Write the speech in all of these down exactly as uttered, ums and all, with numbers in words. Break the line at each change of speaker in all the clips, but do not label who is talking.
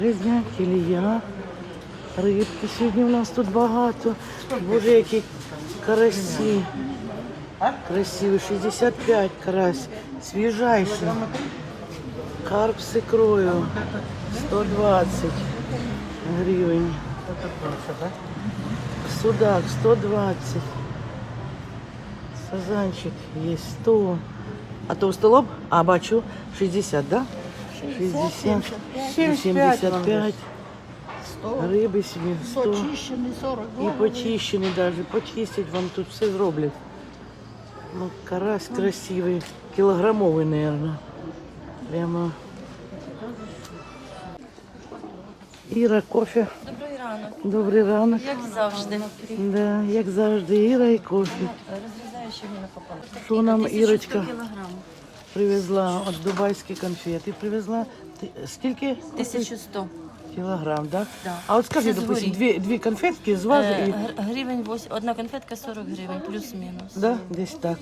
Різня, кілія, рибки сьогодні у нас тут багато. Боже, які карасі. Красивий, шістдесят п'ять карась, свіжайший. Карп з ікрою, сто двадцять гривень. Судак, сто двадцять. Сазанчик є сто. А толстолоб? А, бачу, шістдесят, да? шістдесят, сімдесят п'ять. Риби собі сто.
Почищений сорок.
І почищений навіть. Почистять вам тут все зроблять. Ну, карась красивий. Кілограмовий, мабуть. Прямо. Іра, кофе.
Добрий ранок.
Добрий ранок.
Як завжди.
Да, як завжди, Іра і кофе.
Розрізаю ще на пополам.
Що нам Ірочка
кілограм.
привезла? От дубайські конфети привезла. Ти- Скільки?
тисяча сто.
Кілограм, да?
Да.
А от скажи,
Це
допустим,
згорі.
дві, дві конфетки з вази
Е,
і...
гр- Гривень вось- одна конфетка сорок гривень, плюс-мінус.
Да, десь так.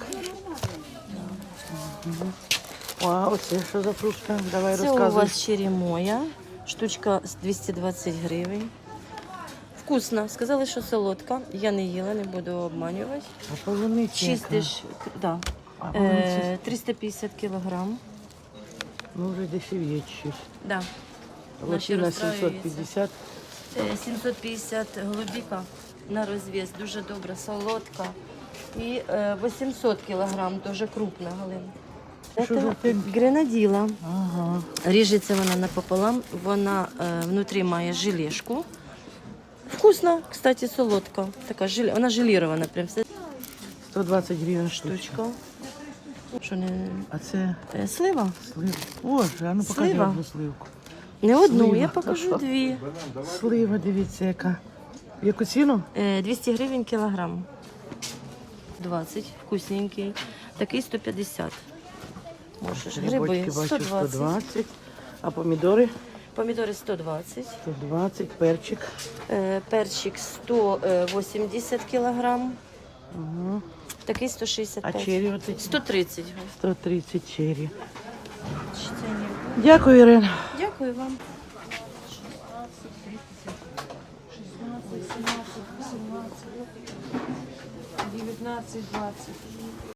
Мгм. А оце що за фрукта? Давай
Це
розказуй.
у вас черемоя, штучка з двісті двадцять гривень. Вкусно. Сказали, що солодка. Я не їла, не буду обманювати.
А полуниця яка?
Чистиш, да.
А полуниця,
Е, триста п'ятдесят кілограм.
ну вже дешевіє чуть.
Да.
Лохина
розстраюються.
сімсот п'ятдесят.
Е, сімсот п'ятдесят голубіка на розв'яз, дуже добра, солодка. І е, вісімсот кілограм, дуже крупна галина.
Що
Це
за ти?
гренаділа.
Ага.
Ріжеться вона напополам, вона е, внутрі має желешку. Вкусна, кстати, солодка. Така желе, вона желірована, прям все
сто двадцять гривень штучка.
штучка. Що не
А це
е, слива?
слива. Боже, а ну покажи
Слива.
одну сливку.
Не одну,
Слива.
я покажу дві.
Слива, дивіться, яка. В яку ціну?
Е, двісті гривень кілограм. двадцять, вкусненький. Такий сто п'ятдесят. Можеш. Гриби
Грибочки
сто
бачу сто
двадцять.
двадцять. А помідори?
Помідори сто двадцять.
сто двадцять, перчик.
Е, перчик сто вісімдесят кілограм.
Угу.
Такий сто шістдесят
А
п'ять.
чері оці?
сто тридцять.
сто тридцять чері.
Ще це ні.
Дякую, Ірина.
Дякую вам.
девятнадцать, двадцать.